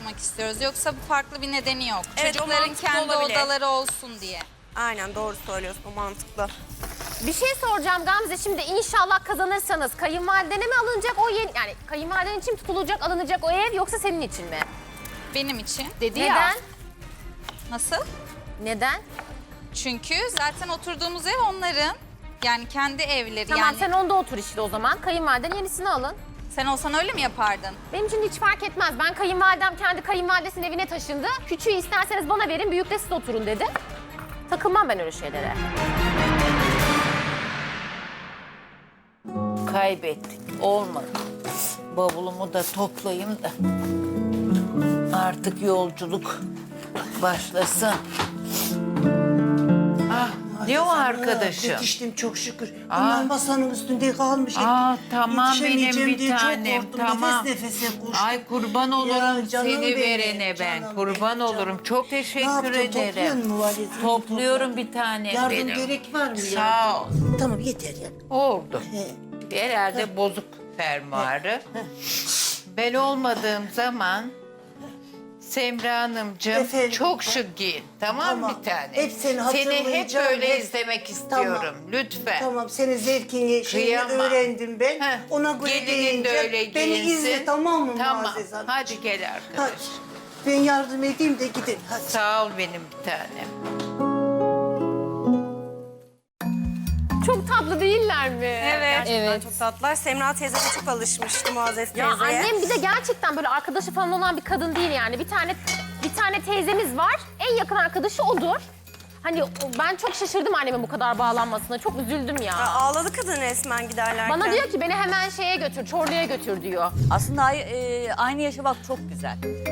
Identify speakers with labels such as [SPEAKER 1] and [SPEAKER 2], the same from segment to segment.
[SPEAKER 1] yapmak istiyoruz. Yoksa farklı bir nedeni yok.
[SPEAKER 2] Evet, o
[SPEAKER 1] Çocukların
[SPEAKER 2] mantıklı
[SPEAKER 1] kendi
[SPEAKER 2] olabilir.
[SPEAKER 1] odaları olsun diye.
[SPEAKER 2] Aynen doğru söylüyorsun, o mantıklı.
[SPEAKER 3] Bir şey soracağım Gamze, şimdi inşallah kazanırsanız kayınvalidene mi alınacak o yeni, yani kayınvaliden için tutulacak, alınacak o ev yoksa senin için mi?
[SPEAKER 1] Benim için.
[SPEAKER 3] Dedi
[SPEAKER 1] Neden?
[SPEAKER 3] ya.
[SPEAKER 1] Nasıl?
[SPEAKER 3] Neden?
[SPEAKER 1] Çünkü zaten oturduğumuz ev onların. Yani kendi evleri.
[SPEAKER 3] Tamam
[SPEAKER 1] yani
[SPEAKER 3] sen onda otur işte o zaman. Kayınvaliden yenisini alın.
[SPEAKER 1] sen olsan öyle mi yapardın?
[SPEAKER 3] Benim için hiç fark etmez. Ben kayınvalidem kendi kayınvalidesinin evine taşındı. Küçüğü isterseniz bana verin, büyük de siz oturun dedi. Takılmam ben öyle şeylere.
[SPEAKER 4] Kaybettik. Olmadı. Bavulumu da toplayayım da artık yolculuk başlasın. Ah, ne o arkadaşım?
[SPEAKER 5] Yetiştim çok şükür. Bunlar masanın üstünde kalmış.
[SPEAKER 4] Tamam benim
[SPEAKER 5] Yetişemeyeceğim
[SPEAKER 4] bir
[SPEAKER 5] diye çok
[SPEAKER 4] tanem,
[SPEAKER 5] korktum.
[SPEAKER 4] tamam.
[SPEAKER 5] Nefes nefese koştum.
[SPEAKER 4] Ay kurban olurum
[SPEAKER 5] Ya, canım
[SPEAKER 4] seni
[SPEAKER 5] benim,
[SPEAKER 4] verene ben.
[SPEAKER 5] canım
[SPEAKER 4] Kurban
[SPEAKER 5] benim,
[SPEAKER 4] olurum.
[SPEAKER 5] canım.
[SPEAKER 4] Çok
[SPEAKER 5] Ne
[SPEAKER 4] teşekkür
[SPEAKER 5] yaptın, topluyor
[SPEAKER 4] ederim.
[SPEAKER 5] musun valizini?
[SPEAKER 4] Topluyorum
[SPEAKER 5] Topla.
[SPEAKER 4] bir tane
[SPEAKER 5] Yardım
[SPEAKER 4] benim.
[SPEAKER 5] gerek var mı ya?
[SPEAKER 4] Sağ ol.
[SPEAKER 5] Tamam yeter ya.
[SPEAKER 4] Oldu.
[SPEAKER 5] He.
[SPEAKER 4] Herhalde bozuk fermuarı. Ben olmadığım zaman Semra Hanımcığım
[SPEAKER 5] Efendim?
[SPEAKER 4] çok şık giyin. Tamam
[SPEAKER 5] Tamam.
[SPEAKER 4] bir tane.
[SPEAKER 5] Hep seni
[SPEAKER 4] hep
[SPEAKER 5] hatırlayacağım,
[SPEAKER 4] böyle
[SPEAKER 5] hep-
[SPEAKER 4] izlemek istiyorum. Lütfen.
[SPEAKER 5] Tamam senin zevkini, şeyini
[SPEAKER 4] Kıyamam.
[SPEAKER 5] öğrendim ben.
[SPEAKER 4] Heh,
[SPEAKER 5] Ona göre
[SPEAKER 4] gelinin de
[SPEAKER 5] giyineceğim.
[SPEAKER 4] öyle
[SPEAKER 5] Beni
[SPEAKER 4] giyinsin.
[SPEAKER 5] izle tamam mı
[SPEAKER 4] Tamam.
[SPEAKER 5] Muazzez Hanım?
[SPEAKER 4] Hadi gel
[SPEAKER 5] Hadi.
[SPEAKER 4] arkadaş.
[SPEAKER 5] Ben yardım edeyim de gidin. Hadi.
[SPEAKER 4] Sağ ol benim bir tanem.
[SPEAKER 3] Çok tatlı değiller mi?
[SPEAKER 2] Evet.
[SPEAKER 3] Evet.
[SPEAKER 2] Çok tatlılar. Semra teyze de çok alışmıştı Muazzez teyzeye.
[SPEAKER 3] Ya annem bir de gerçekten böyle arkadaşı falan olan bir kadın değil yani. Bir tane teyzemiz var. En yakın arkadaşı odur. Hani ben çok şaşırdım annemin bu kadar bağlanmasına. Çok üzüldüm ya.
[SPEAKER 2] Ağladı kadın resmen giderlerken.
[SPEAKER 3] Bana diyor ki beni hemen şeye götür, Çorlu'ya götür diyor.
[SPEAKER 6] Aslında aynı yaşamak çok güzel.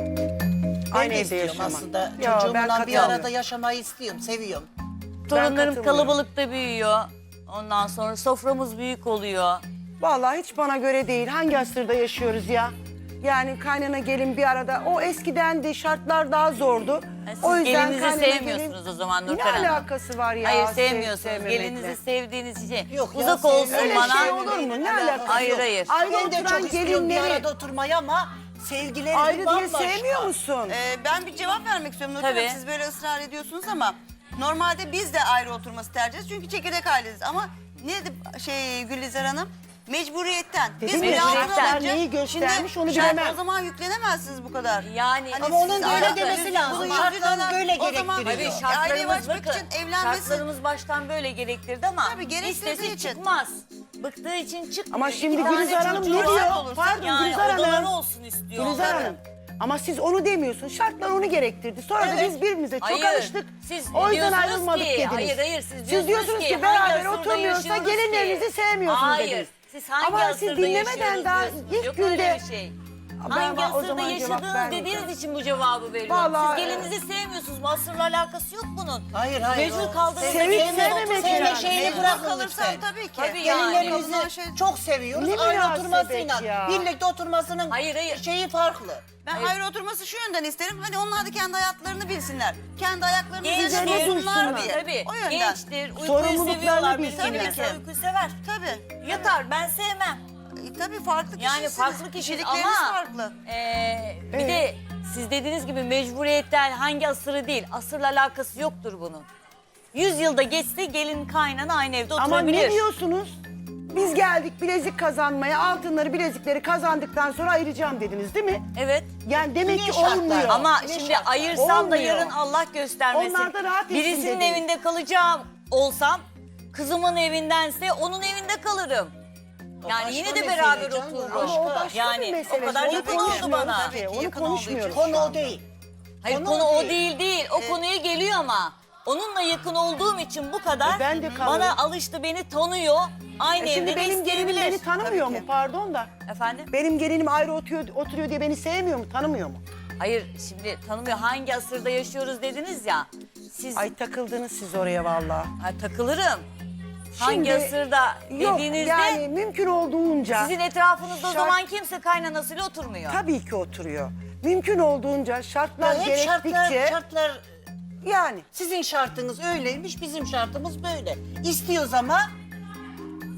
[SPEAKER 5] Aynı
[SPEAKER 7] de
[SPEAKER 5] evde
[SPEAKER 7] istiyorum
[SPEAKER 5] yaşamak.
[SPEAKER 7] aslında.
[SPEAKER 5] Yo, ben
[SPEAKER 7] Çocuğumla bir
[SPEAKER 5] katılmıyorum.
[SPEAKER 7] arada yaşamayı istiyorum, seviyorum.
[SPEAKER 6] Torunlarım
[SPEAKER 5] katılıyorum.
[SPEAKER 6] kalabalıkta büyüyor. Ondan sonra soframız büyük oluyor.
[SPEAKER 8] Vallahi hiç bana göre değil. Hangi asırda yaşıyoruz ya? Yani kaynana gelin bir arada. O eskiden de şartlar daha zordu.
[SPEAKER 6] Siz
[SPEAKER 8] O yüzden
[SPEAKER 6] gelinizi
[SPEAKER 8] kaynana
[SPEAKER 6] sevmiyorsunuz
[SPEAKER 8] gelin-
[SPEAKER 6] o zaman
[SPEAKER 8] Ne
[SPEAKER 6] Nurten Hanım.
[SPEAKER 8] alakası var ya?
[SPEAKER 6] Hayır
[SPEAKER 8] sev-
[SPEAKER 6] sevmiyorsunuz.
[SPEAKER 8] sevmemekle?
[SPEAKER 6] Gelinizi sevdiğiniz için.
[SPEAKER 7] Yok ya,
[SPEAKER 6] Uzak olsun
[SPEAKER 7] sevmiyorum.
[SPEAKER 8] Öyle
[SPEAKER 6] bana.
[SPEAKER 8] şey olur mu? Ne alakası
[SPEAKER 6] Hayır
[SPEAKER 8] yok?
[SPEAKER 6] hayır.
[SPEAKER 8] Ayrı
[SPEAKER 7] Ben de
[SPEAKER 8] oturan
[SPEAKER 7] çok istiyorum bir
[SPEAKER 8] gelinleri
[SPEAKER 7] arada oturmayı ama sevgilerim
[SPEAKER 8] ayrı diye
[SPEAKER 7] bambaşka.
[SPEAKER 8] sevmiyor musun?
[SPEAKER 9] Ben bir cevap vermek istiyorum Nurten
[SPEAKER 6] Tabii.
[SPEAKER 9] Hanım. Siz böyle ısrar ediyorsunuz ama normalde biz de ayrı oturması tercih ederiz. Çünkü çekirdek aileyiz ama ne dedi Gülizar Hanım? Mecburiyetten. Biz
[SPEAKER 8] Dedim
[SPEAKER 9] bir
[SPEAKER 6] mecburiyetten.
[SPEAKER 9] altına alınca-
[SPEAKER 8] Neyi göstermiş
[SPEAKER 9] Şimdi
[SPEAKER 8] onu bilemem.
[SPEAKER 9] O zaman yüklenemezsiniz bu kadar.
[SPEAKER 6] Yani
[SPEAKER 9] Hani
[SPEAKER 7] Ama onun
[SPEAKER 9] siz
[SPEAKER 7] da öyle
[SPEAKER 9] ayrı-
[SPEAKER 7] demesi
[SPEAKER 9] Siz
[SPEAKER 7] lazım.
[SPEAKER 9] bunu
[SPEAKER 7] Şartlar
[SPEAKER 9] yüzünden-
[SPEAKER 7] böyle
[SPEAKER 9] o zaman
[SPEAKER 7] gerektiriyor.
[SPEAKER 6] tabii
[SPEAKER 9] aileyi
[SPEAKER 6] şartlarımız
[SPEAKER 9] açmak
[SPEAKER 6] bakın.
[SPEAKER 9] için evlenmesi...
[SPEAKER 6] Şartlarımız baştan böyle gerektirdi ama
[SPEAKER 9] Tabii, gerektirdiği
[SPEAKER 6] istesi
[SPEAKER 9] için.
[SPEAKER 6] çıkmaz. Bıktığı için çıkmıyor.
[SPEAKER 8] Ama şimdi
[SPEAKER 6] İki tane
[SPEAKER 8] Gülizar Hanım
[SPEAKER 6] çocuğu
[SPEAKER 8] ne
[SPEAKER 6] var
[SPEAKER 8] diyor?
[SPEAKER 6] olursa
[SPEAKER 8] Pardon,
[SPEAKER 6] yani
[SPEAKER 8] Gülizar Hanım.
[SPEAKER 6] odaları olsun istiyor.
[SPEAKER 8] Gülizar Hanım. Ama siz onu demiyorsun. Şartlar onu gerektirdi. Sonra da biz birbirimize çok
[SPEAKER 6] Hayır,
[SPEAKER 8] alıştık.
[SPEAKER 6] siz
[SPEAKER 8] O yüzden
[SPEAKER 6] diyorsunuz
[SPEAKER 8] ayrılmadık
[SPEAKER 6] ki,
[SPEAKER 8] dediniz.
[SPEAKER 6] hayır,
[SPEAKER 8] Siz diyorsunuz ki
[SPEAKER 6] hangi
[SPEAKER 8] beraber
[SPEAKER 6] asırda
[SPEAKER 8] oturmuyorsa
[SPEAKER 6] yaşıyoruz
[SPEAKER 8] gelinlerinizi
[SPEAKER 6] ki?
[SPEAKER 8] sevmiyorsunuz
[SPEAKER 6] Hayır,
[SPEAKER 8] dediniz.
[SPEAKER 6] siz hangi
[SPEAKER 8] Ama siz
[SPEAKER 6] asırda
[SPEAKER 8] dinlemeden
[SPEAKER 6] yaşıyoruz
[SPEAKER 8] daha
[SPEAKER 6] diyorsunuz.
[SPEAKER 8] ilk
[SPEAKER 6] Yok
[SPEAKER 8] günde...
[SPEAKER 6] öyle bir şey. Hangi
[SPEAKER 8] o
[SPEAKER 6] asırda
[SPEAKER 8] zaman cevap
[SPEAKER 6] yaşadığınız
[SPEAKER 8] vermeyeceğim.
[SPEAKER 6] dediğiniz için bu cevabı veriyorum.
[SPEAKER 8] Vallahi,
[SPEAKER 6] Siz gelinizi sevmiyorsunuz. Bu asırla alakası yok bunun.
[SPEAKER 7] Hayır hayır.
[SPEAKER 6] Mecbur
[SPEAKER 7] o
[SPEAKER 6] kaldığınız
[SPEAKER 8] Sevip
[SPEAKER 6] için
[SPEAKER 8] sevmemek
[SPEAKER 7] sevmek
[SPEAKER 8] yani.
[SPEAKER 7] şeyini
[SPEAKER 9] Mecbur
[SPEAKER 7] bırakın
[SPEAKER 9] kalırsan
[SPEAKER 7] lütfen.
[SPEAKER 9] tabii ki.
[SPEAKER 6] Tabii yani.
[SPEAKER 7] Gelinlerimizi çok seviyoruz.
[SPEAKER 8] Ne
[SPEAKER 7] Ayrı
[SPEAKER 8] münasebet
[SPEAKER 7] oturmasıyla.
[SPEAKER 8] ya.
[SPEAKER 7] Birlikte oturmasının
[SPEAKER 6] Hayır.
[SPEAKER 7] şeyi farklı.
[SPEAKER 9] Ben ayrı oturması şu yönden isterim. Hani onlar da kendi hayatlarını bilsinler. Kendi ayaklarını
[SPEAKER 6] Gençtir,
[SPEAKER 9] üzerine dursunlar diye.
[SPEAKER 6] tabii.
[SPEAKER 9] O yönden.
[SPEAKER 6] Gençtir, uykuyu
[SPEAKER 8] Sorumluluklarını
[SPEAKER 6] seviyorlar.
[SPEAKER 8] bilsinler.
[SPEAKER 6] Tabii ki. Uykuyu sever.
[SPEAKER 9] Tabii.
[SPEAKER 6] Yatar, ben sevmem.
[SPEAKER 9] Tabii farklı kişisiniz.
[SPEAKER 6] Yani farklı kişi
[SPEAKER 9] Kişilikleriniz
[SPEAKER 6] ama
[SPEAKER 9] farklı.
[SPEAKER 6] Bir de siz dediğiniz gibi mecburiyetten hangi asırı değil, asırla alakası yoktur bunun. 100 yılda geçse gelin kaynana aynı evde
[SPEAKER 8] Ama
[SPEAKER 6] oturabilir.
[SPEAKER 8] ne diyorsunuz? Biz geldik bilezik kazanmaya, altınları, bilezikleri kazandıktan sonra ayıracağım dediniz değil mi?
[SPEAKER 6] Evet.
[SPEAKER 8] Yani demek
[SPEAKER 7] Ne
[SPEAKER 8] ki
[SPEAKER 7] şartlar?
[SPEAKER 8] olmuyor.
[SPEAKER 6] Ama
[SPEAKER 7] Ne
[SPEAKER 6] şimdi
[SPEAKER 7] şartlar?
[SPEAKER 6] ayırsam da
[SPEAKER 8] Olmuyor.
[SPEAKER 6] yarın Allah göstermesin.
[SPEAKER 8] Onlar da rahat etsin
[SPEAKER 6] Birisinin
[SPEAKER 8] dediniz.
[SPEAKER 6] evinde kalacağım olsam kızımın evindense onun evinde kalırım. Yani
[SPEAKER 7] başka
[SPEAKER 6] yine de
[SPEAKER 7] mesele
[SPEAKER 6] beraber
[SPEAKER 7] canım,
[SPEAKER 6] otururum.
[SPEAKER 8] Ama o başka bir
[SPEAKER 6] Yani
[SPEAKER 8] mesele.
[SPEAKER 6] o kadar
[SPEAKER 8] Onu
[SPEAKER 6] yakın oldu
[SPEAKER 8] konuşmuyoruz
[SPEAKER 6] bana.
[SPEAKER 8] ki,
[SPEAKER 9] Tabii ki
[SPEAKER 8] onu
[SPEAKER 9] yakın olduğu
[SPEAKER 8] konuşmuyoruz.
[SPEAKER 9] için.
[SPEAKER 7] Konu o değil.
[SPEAKER 6] Hayır
[SPEAKER 7] Konu
[SPEAKER 6] konu
[SPEAKER 7] o
[SPEAKER 6] o değil. O konuya geliyor ama. Onunla yakın olduğum için bu kadar.
[SPEAKER 8] Ben de kalırım.
[SPEAKER 6] Bana alıştı, beni tanıyor. Aynı
[SPEAKER 8] Şimdi
[SPEAKER 6] evde de
[SPEAKER 8] benim gelinim
[SPEAKER 6] isteyebilir.
[SPEAKER 8] beni tanımıyor mu? Pardon da.
[SPEAKER 6] Efendim?
[SPEAKER 8] Benim gelinim ayrı oturuyor diye beni sevmiyor mu? Tanımıyor mu?
[SPEAKER 6] Hayır şimdi tanımıyor. Hangi asırda yaşıyoruz dediniz ya. Siz
[SPEAKER 8] Ay takıldınız siz oraya vallahi.
[SPEAKER 6] Ha, takılırım. Hangi
[SPEAKER 8] Şimdi-
[SPEAKER 6] asırda
[SPEAKER 8] Yok
[SPEAKER 6] dediğinizde
[SPEAKER 8] yani mümkün olduğunca.
[SPEAKER 6] sizin etrafınızda o
[SPEAKER 8] Şart-
[SPEAKER 6] zaman kimse kaynanasıyla oturmuyor.
[SPEAKER 8] Tabii ki oturuyor. Mümkün olduğunca şartlar
[SPEAKER 7] Hep
[SPEAKER 8] gerektikçe
[SPEAKER 7] şartlar
[SPEAKER 8] yani.
[SPEAKER 7] sizin şartınız öyleymiş, bizim şartımız böyle. İstiyoruz ama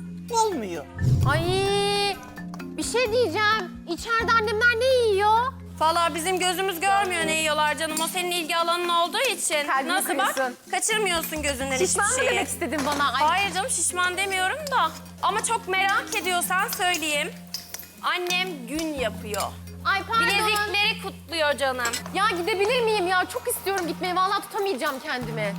[SPEAKER 7] olmuyor.
[SPEAKER 3] Ay bir şey diyeceğim. İçeride annemler ne yiyor?
[SPEAKER 10] Valla bizim gözümüz görmüyor ne yiyorlar canım. O senin ilgi alanın olduğu için.
[SPEAKER 3] Kalbimi
[SPEAKER 10] Nasıl bak?
[SPEAKER 3] kırıyorsun.
[SPEAKER 10] Kaçırmıyorsun gözünden
[SPEAKER 3] Şişman mı
[SPEAKER 10] hiçbir şeyi.
[SPEAKER 3] demek istedin bana? Ay,
[SPEAKER 10] Hayır canım şişman demiyorum da. Ama çok merak ediyorsan söyleyeyim. Annem gün yapıyor.
[SPEAKER 3] ay pardon.
[SPEAKER 10] Bilezikleri kutluyor canım.
[SPEAKER 3] Ya gidebilir miyim ya? Çok istiyorum gitmeyi. Vallahi tutamayacağım kendimi.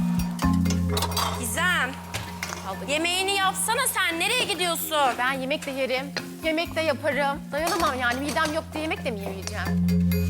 [SPEAKER 10] Gizem. Yemeğini yapsana sen. Nereye gidiyorsun?
[SPEAKER 3] Ben yemek de yerim, yemek de yaparım. Dayanamam yani. Midem yok diye yemek de mi yemeyeceğim?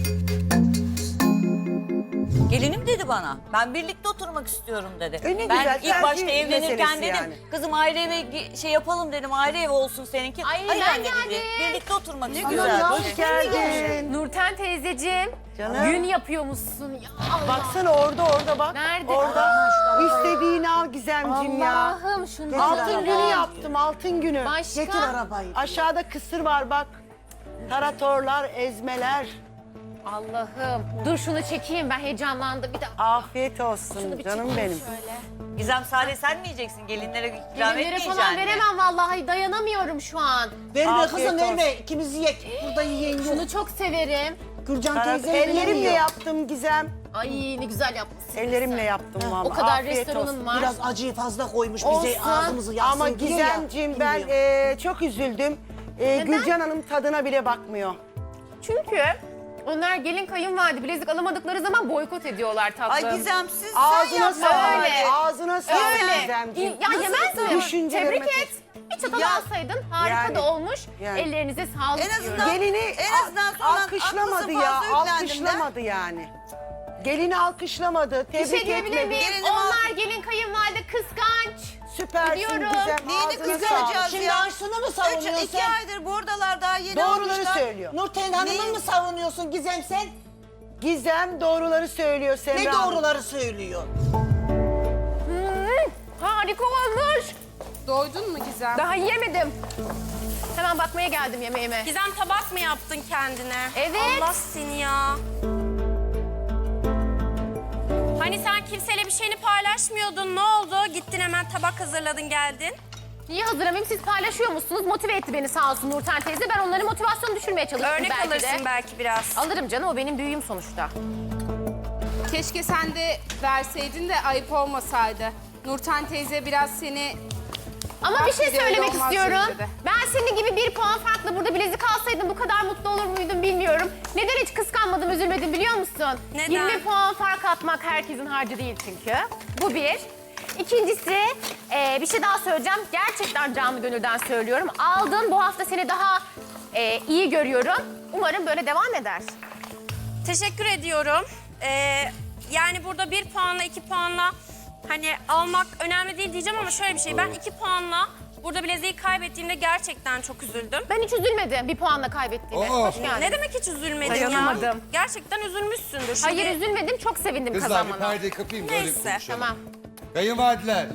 [SPEAKER 6] Gelinim dedi bana. Ben birlikte oturmak istiyorum dedi.
[SPEAKER 8] Ne
[SPEAKER 6] Ben
[SPEAKER 8] güzel,
[SPEAKER 6] ilk
[SPEAKER 8] tercih
[SPEAKER 6] başta evlenirken
[SPEAKER 8] meselesi
[SPEAKER 6] dedim.
[SPEAKER 8] yani.
[SPEAKER 6] Kızım ayrı eve şey yapalım dedim. Ayrı ev olsun seninki.
[SPEAKER 3] Ay,
[SPEAKER 6] Hayır
[SPEAKER 3] ben
[SPEAKER 6] anne dedi.
[SPEAKER 3] geldim.
[SPEAKER 6] Birlikte oturmak istiyorum.
[SPEAKER 8] Güzel, hoş geldin.
[SPEAKER 3] Nurten teyzeciğim,
[SPEAKER 8] Canım.
[SPEAKER 3] gün yapıyormuşsun. Ya Allah.
[SPEAKER 8] Baksana orada bak.
[SPEAKER 3] Nerede?
[SPEAKER 8] Orada. İstediğini al Gizemciğim ya.
[SPEAKER 3] Allah'ım şunu
[SPEAKER 8] Altın günü yaptım, altın günü.
[SPEAKER 3] Başka?
[SPEAKER 5] Getir arabayı.
[SPEAKER 8] Aşağıda kısır var bak. Taratorlar, ezmeler.
[SPEAKER 3] Allah'ım. Dur şunu çekeyim, ben heyecanlandım. Bir de
[SPEAKER 8] Afiyet olsun canım benim.
[SPEAKER 6] Gizem sadece sen mi yiyeceksin? Gelinlere ikram
[SPEAKER 3] gelinlere
[SPEAKER 6] etmeyeceksin.
[SPEAKER 3] falan veremem vallahi. Dayanamıyorum şu an.
[SPEAKER 5] Verme
[SPEAKER 8] Afiyet
[SPEAKER 5] kızım
[SPEAKER 8] olsun.
[SPEAKER 5] verme. İkimiz yiyek. Burada yiyen yok.
[SPEAKER 3] Şunu çok severim.
[SPEAKER 5] Gürcan teyze
[SPEAKER 8] Ellerimle yaptım Gizem.
[SPEAKER 3] Ay ne güzel yapmışsın.
[SPEAKER 8] Ellerimle yaptım vallahi.
[SPEAKER 3] O kadar
[SPEAKER 8] Afiyet
[SPEAKER 3] restoranın
[SPEAKER 8] olsun.
[SPEAKER 3] var.
[SPEAKER 5] Biraz acıyı fazla koymuş bize
[SPEAKER 3] Olsun.
[SPEAKER 5] ağzımızı yaksın
[SPEAKER 8] Ama
[SPEAKER 5] diye ya.
[SPEAKER 8] Gizemciğim ben
[SPEAKER 5] Bilmiyorum.
[SPEAKER 8] çok üzüldüm. Gülcan Hanım tadına bile bakmıyor.
[SPEAKER 3] Çünkü onlar gelin kayınvalide bilezik alamadıkları zaman boykot ediyorlar tatlım.
[SPEAKER 9] Ay Gizemsiz sen
[SPEAKER 8] Ağzına
[SPEAKER 9] yapma.
[SPEAKER 8] sağlık.
[SPEAKER 3] Öyle.
[SPEAKER 8] Ağzına sağlık
[SPEAKER 3] Öyle.
[SPEAKER 8] Gizemciğim.
[SPEAKER 3] Ya yemez mi?
[SPEAKER 8] Düşüncelerime
[SPEAKER 3] Tebrik et. Bir çatal alsaydın harika
[SPEAKER 8] Yani.
[SPEAKER 3] da olmuş.
[SPEAKER 8] Yani.
[SPEAKER 3] Ellerinize sağlık
[SPEAKER 9] En azından-
[SPEAKER 3] diyorum.
[SPEAKER 8] Gelini
[SPEAKER 9] En azından sonra
[SPEAKER 8] alkışlamadı
[SPEAKER 9] haklısın,
[SPEAKER 8] ya.
[SPEAKER 9] fazla yüklendim
[SPEAKER 8] Alkışlamadı yani. Gelini alkışlamadı.
[SPEAKER 3] Bir
[SPEAKER 8] Tebrik
[SPEAKER 3] şey diyebilir
[SPEAKER 8] etmedi.
[SPEAKER 3] miyim?
[SPEAKER 9] Gelinim
[SPEAKER 3] Onlar gelin kayınvalide kıskanç.
[SPEAKER 8] Süpersin
[SPEAKER 3] Biliyorum.
[SPEAKER 8] Gizem.
[SPEAKER 9] Neyini
[SPEAKER 8] Ağzına
[SPEAKER 9] kıskanacağız
[SPEAKER 8] sağlık.
[SPEAKER 5] Şimdi
[SPEAKER 9] ya?
[SPEAKER 5] Aysun'u mu savunuyorsun
[SPEAKER 9] 2 aydır buradalar daha yeni
[SPEAKER 8] Doğruları
[SPEAKER 9] almışlar.
[SPEAKER 8] söylüyor.
[SPEAKER 5] Nurten Hanım'ı
[SPEAKER 9] Neyi?
[SPEAKER 5] mı savunuyorsun Gizem sen?
[SPEAKER 8] Gizem doğruları söylüyor Semra
[SPEAKER 5] Ne
[SPEAKER 8] Hanım.
[SPEAKER 5] doğruları söylüyor?
[SPEAKER 3] Harika olmuş.
[SPEAKER 1] Doydun mu Gizem?
[SPEAKER 3] Daha yiyemedim. Hemen bakmaya geldim yemeğime.
[SPEAKER 10] Gizem tabak mı yaptın kendine?
[SPEAKER 3] Evet.
[SPEAKER 10] Allah seni ya. Hani sen kimseyle bir şeyini paylaşmıyordun. Ne oldu? Gittin hemen tabak hazırladın geldin.
[SPEAKER 3] Niye hazırlamayayım? Siz paylaşıyor musunuz? Motive etti beni sağ olsun Nurten teyze. Ben onların motivasyonunu düşürmeye çalıştım
[SPEAKER 10] Örnek
[SPEAKER 3] belki
[SPEAKER 10] alırsın
[SPEAKER 3] de.
[SPEAKER 10] belki biraz.
[SPEAKER 3] Alırım canım, o benim büyüğüm sonuçta.
[SPEAKER 11] Keşke sen de verseydin de ayıp olmasaydı. Nurten teyze biraz seni...
[SPEAKER 3] Ama bir şey
[SPEAKER 11] Öyle
[SPEAKER 3] söylemek
[SPEAKER 11] olmaz
[SPEAKER 3] istiyorum.
[SPEAKER 11] dedi.
[SPEAKER 3] Ben senin gibi 1 puan farklı burada bilezik alsaydım bu kadar mutlu olur muydum bilmiyorum. Neden hiç kıskanmadım, üzülmedim biliyor musun?
[SPEAKER 10] Neden?
[SPEAKER 3] 20 puan fark atmak herkesin harcı değil çünkü. Bu bir. İkincisi bir şey daha söyleyeceğim. Gerçekten canlı gönülden söylüyorum. Aldın, bu hafta seni daha iyi görüyorum. Umarım böyle devam eder.
[SPEAKER 10] Teşekkür ediyorum. Yani burada 1 puanla 2 puanla hani almak önemli değil diyeceğim ama şöyle bir şey. Ben 2 puanla burada bileziği kaybettiğimde gerçekten çok üzüldüm.
[SPEAKER 3] Ben hiç üzülmedim 1 puanla kaybettiğime. Hoş geldin.
[SPEAKER 10] Ne demek hiç üzülmedin ya?
[SPEAKER 3] Dayanamadım.
[SPEAKER 10] Gerçekten üzülmüşsündür. Şimdi
[SPEAKER 3] Hayır üzülmedim, çok sevindim
[SPEAKER 12] Kızlar bir
[SPEAKER 3] kazanmana.
[SPEAKER 12] perdeyi kapayım da öyle bir
[SPEAKER 10] Neyse,
[SPEAKER 12] konuşalım.
[SPEAKER 3] Tamam.
[SPEAKER 12] Kayınvalideler.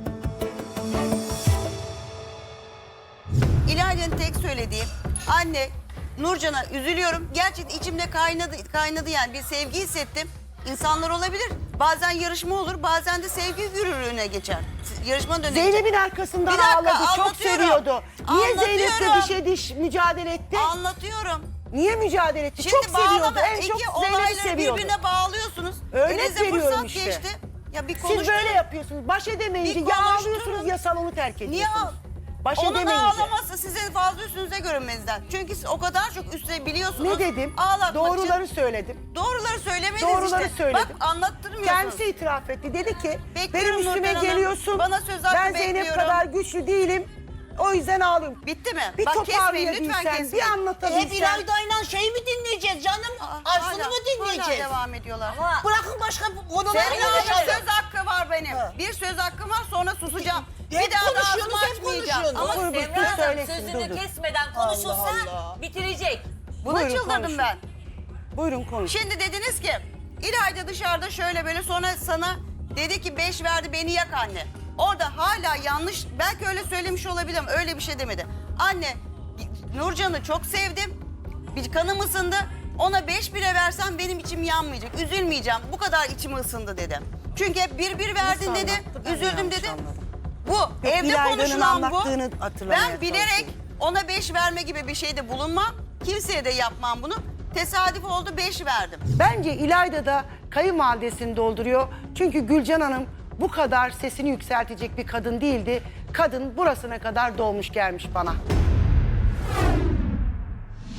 [SPEAKER 9] İlayda'nın tek söylediği anne Nurcan'a üzülüyorum. Gerçekten içimde kaynadı yani bir sevgi hissettim. İnsanlar olabilir. Bazen yarışma olur, bazen de sevgi yürürlüğüne geçer. Yarışma dönemi.
[SPEAKER 8] Zeynep'in arkasından
[SPEAKER 9] Bir dakika,
[SPEAKER 8] ağladı. Çok
[SPEAKER 9] anlatıyorum.
[SPEAKER 8] seviyordu. Niye Zeynep'le
[SPEAKER 9] Anlatıyorum.
[SPEAKER 8] dişe diş mücadele etti?
[SPEAKER 9] Anlatıyorum.
[SPEAKER 8] Niye mücadele etti?
[SPEAKER 9] Şimdi
[SPEAKER 8] çok seviyordu.
[SPEAKER 9] bağlama,
[SPEAKER 8] En çok
[SPEAKER 9] iki
[SPEAKER 8] Zeynep'i
[SPEAKER 9] olayları
[SPEAKER 8] seviyordu.
[SPEAKER 9] birbirine bağlıyorsunuz.
[SPEAKER 8] Örnek
[SPEAKER 9] Elinize
[SPEAKER 8] veriyorum
[SPEAKER 9] fırsat
[SPEAKER 8] işte.
[SPEAKER 9] geçti. Ya bir
[SPEAKER 8] Siz
[SPEAKER 9] konuşturun.
[SPEAKER 8] böyle yapıyorsunuz. Baş edemeyince
[SPEAKER 9] Bir
[SPEAKER 8] ya
[SPEAKER 9] konuşturun.
[SPEAKER 8] ağlıyorsunuz ya salonu terk ediyorsunuz.
[SPEAKER 9] Niye
[SPEAKER 8] Baş
[SPEAKER 9] Onun
[SPEAKER 8] edemeyince.
[SPEAKER 9] ağlaması sizin fazla üstünüze görünmezden. Çünkü siz o kadar çok üstüne biliyorsunuz.
[SPEAKER 8] Ne dedim?
[SPEAKER 9] Ağlatmak
[SPEAKER 8] Doğruları
[SPEAKER 9] için.
[SPEAKER 8] söyledim.
[SPEAKER 9] Doğruları söylemediniz
[SPEAKER 8] Doğruları
[SPEAKER 9] işte.
[SPEAKER 8] söyledim.
[SPEAKER 9] Bak anlattırmıyorsunuz.
[SPEAKER 8] Kendisi itiraf etti. Dedi ki
[SPEAKER 9] Bekliyorum
[SPEAKER 8] benim üstüme
[SPEAKER 9] Nurten Hanım.
[SPEAKER 8] geliyorsun.
[SPEAKER 9] Bana söz hakkı
[SPEAKER 8] ben Zeynep
[SPEAKER 9] bekliyorum.
[SPEAKER 8] kadar güçlü değilim. O yüzden ağlıyorum.
[SPEAKER 9] Bitti mi?
[SPEAKER 8] Bir
[SPEAKER 9] Bak kesmeyin
[SPEAKER 8] toparlayabilsen,
[SPEAKER 9] lütfen
[SPEAKER 8] bir
[SPEAKER 9] kesmeyin.
[SPEAKER 5] Hep
[SPEAKER 8] anlatabilsen.
[SPEAKER 5] İlayda'yla şeyi mi dinleyeceğiz canım? Aysun'u mu
[SPEAKER 9] Hala
[SPEAKER 5] dinleyeceğiz?
[SPEAKER 9] devam ediyorlar.
[SPEAKER 5] Bırakın başka konuları
[SPEAKER 9] Semra'nın
[SPEAKER 5] konuşalım.
[SPEAKER 9] söz hakkı var benim. Bir söz hakkım var sonra susacağım.
[SPEAKER 5] Hep
[SPEAKER 9] Bir daha da
[SPEAKER 5] konuşuyorsunuz,
[SPEAKER 9] ağzımı
[SPEAKER 5] hep
[SPEAKER 9] açmayacağım.
[SPEAKER 5] konuşuyorsunuz.
[SPEAKER 6] Ama
[SPEAKER 8] Dur,
[SPEAKER 6] Semra
[SPEAKER 8] dur,
[SPEAKER 6] Hanım
[SPEAKER 8] söylesin,
[SPEAKER 6] sözünü
[SPEAKER 8] dur, dur.
[SPEAKER 6] kesmeden konuşursa
[SPEAKER 5] Allah.
[SPEAKER 6] bitirecek.
[SPEAKER 9] Buna
[SPEAKER 8] Buyurun,
[SPEAKER 9] çıldırdım
[SPEAKER 8] konuşun.
[SPEAKER 9] ben.
[SPEAKER 8] Buyurun konuş.
[SPEAKER 9] Şimdi dediniz ki İlayda dışarıda şöyle böyle sonra sana dedi ki 5 verdi beni yak anne. Orada hala yanlış belki öyle söylemiş olabilirim öyle bir şey demedi. Anne Nurcan'ı çok sevdim. Bir kanım ısındı. Ona 5 bire versem benim içim yanmayacak. Üzülmeyeceğim. Bu kadar içim ısındı dedi. Çünkü hep 1 verdin dedi.
[SPEAKER 8] anlattı? Ben
[SPEAKER 9] Üzüldüm
[SPEAKER 8] yanlış
[SPEAKER 9] dedi.
[SPEAKER 8] anladım.
[SPEAKER 9] Bu evde
[SPEAKER 8] İlayda'nın
[SPEAKER 9] konuşulan bu.
[SPEAKER 8] anlattığını hatırlamaya
[SPEAKER 9] Ben bilerek
[SPEAKER 8] çalışıyorum.
[SPEAKER 9] ona 5 verme gibi bir şeyde bulunmam. Kimseye de yapmam bunu. Tesadüf oldu 5 verdim.
[SPEAKER 8] Bence İlayda da kayınvalidesini dolduruyor. Çünkü Gülcan Hanım bu kadar sesini yükseltecek bir kadın değildi. Kadın burasına kadar dolmuş gelmiş bana.